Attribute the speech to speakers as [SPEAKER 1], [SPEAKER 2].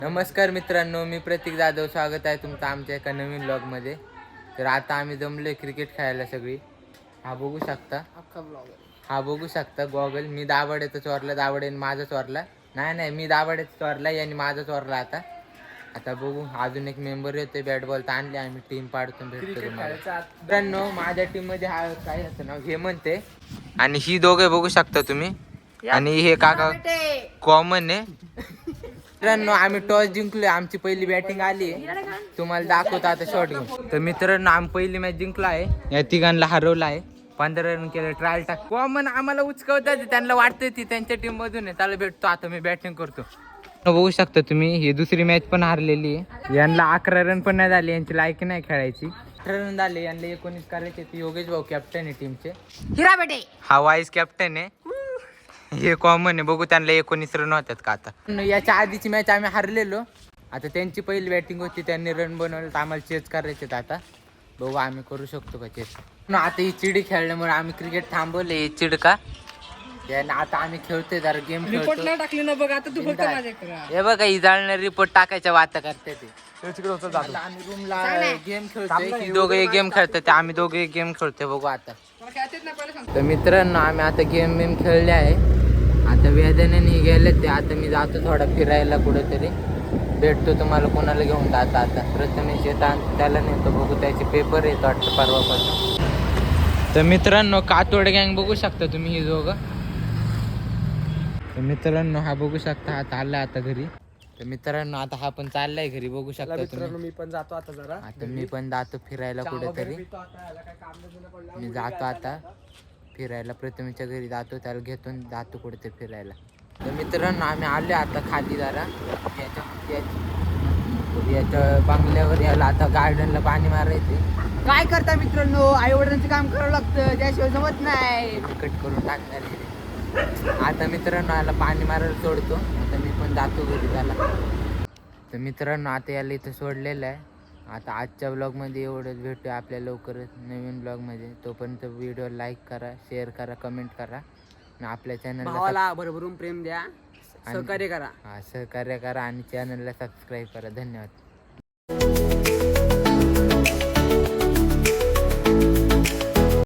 [SPEAKER 1] नमस्कार मित्रांनो, मी प्रतीक जाधव. स्वागत आहे तुमचं आमच्या एका नवीन ब्लॉगमध्ये. तर आता आम्ही जमलोय क्रिकेट खेळायला सगळी. हा बघू शकता गॉगल. मी दाभाडेचा चोरला, दाभाडेने माझा चोरला. नाही मी दाभाडेचा चोरला आणि माझा चोरला. आता बघू, अजून एक मेंबर येतोय. बॅट बॉल तर आणले आम्ही, टीम पाडतो भेटतो मित्रांनो. माझ्या टीम मध्ये हा काय असतं नाव हेमंत आहे आणि ही दोघे बघू शकता तुम्ही. आणि हे काका कॉमन आहे. मित्रांनो आम्ही टॉस जिंकलोय. आमची पहिली बॅटिंग आली. तुम्हाला दाखवतो आता शॉट घेऊन. तर मित्रांनो आम्ही पहिली मॅच जिंकलो आहे. या तिघांना हरवलं आहे. 15 रन केलं. ट्रायल टाक कॉमन आम्हाला उचकवतात. त्यांना वाटतंय ती त्यांच्या टीम मधून आहे. त्याला भेटतो आता मी बॅटिंग करतो. बघू शकता तुम्ही, ही दुसरी मॅच पण हारलेली आहे. यांना 11 रन पण नाही झाले. यांची लायकी नाही खेळायची. 18 रन झाले. यांना 19 करायचे. योगेश भाऊ कॅप्टन आहे टीमचे. हा वाईस कॅप्टन आहे. हे कॉमन आहे. बघू त्यांना 19 रन होतात का आता. याच्या आधीची मॅच आम्ही हारलेलो. आता त्यांची पहिली बॅटिंग होती. त्यांनी रन बनवलं तर आम्हाला चेस करायचे. आता बघू आम्ही करू शकतो का चेस. आता ही चिडी खेळल्यामुळे आम्ही क्रिकेट थांबवले. ही चिड का आता आम्ही खेळतोय जरा गेम खेळतो.
[SPEAKER 2] टाकली ना बघ आता तू फक्त
[SPEAKER 1] हे बघा ही जाळणार रिपोर्ट टाकायच्या वाता करते ते. आम्ही रूमला गेम खेळतोय. दोघे गेम खेळतात. आम्ही दोघे गेम खेळतोय. बघू आता. तर मित्रांनो आम्ही आता गेम खेळले आहे. आता वेदनेने गेले ते. आता मी जातो थोडा फिरायला कुठेतरी. भेटतो तुम्हाला कोणाला घेऊन जाता. आता प्रथमेश येतात त्याला नेतो. बघू त्याचे पेपर येतो वाटतं परवापासून. तर मित्रांनो कातोड गँग बघू शकता तुम्ही ही दोघं. तर मित्रांनो हा बघू शकता हा चाललाय आता घरी. तर मित्रांनो आता हा पण चाललाय घरी. बघू शकता तुम्ही.
[SPEAKER 2] मी पण जातो आता जरा.
[SPEAKER 1] आता मी पण जातो फिरायला कुठेतरी. मी जातो आता फिरायला. प्रथमेच्या घरी जातो. त्याला घेतो जातो कुठेतरी फिरायला. तर मित्रांनो आम्ही आले आता खाली जरा याच्या बंगल्यावर. याला आता गार्डनला पाणी मारायचे.
[SPEAKER 2] काय करता मित्रांनो, आई वडिलांचं काम करावं लागतं, त्याशिवाय जमत नाही.
[SPEAKER 1] कट करून टाकणार आहे. आता मित्रांनो याला पाणी मारायला सोडतो. आता मी पण जातो घरी त्याला. तर मित्रांनो आता याला इथं सोडलेलं आहे. आता आजच्या ब्लॉगमध्ये एवढंच. भेटूया आपल्या लवकरच नवीन ब्लॉगमध्ये. तोपर्यंत व्हिडिओ लाईक करा, शेअर करा, कमेंट करा आणि आपल्या चॅनलला
[SPEAKER 2] भरभरून प्रेम द्या, सहकार्य करा.
[SPEAKER 1] सहकार्य करा आणि चॅनलला सबस्क्राईब करा. धन्यवाद.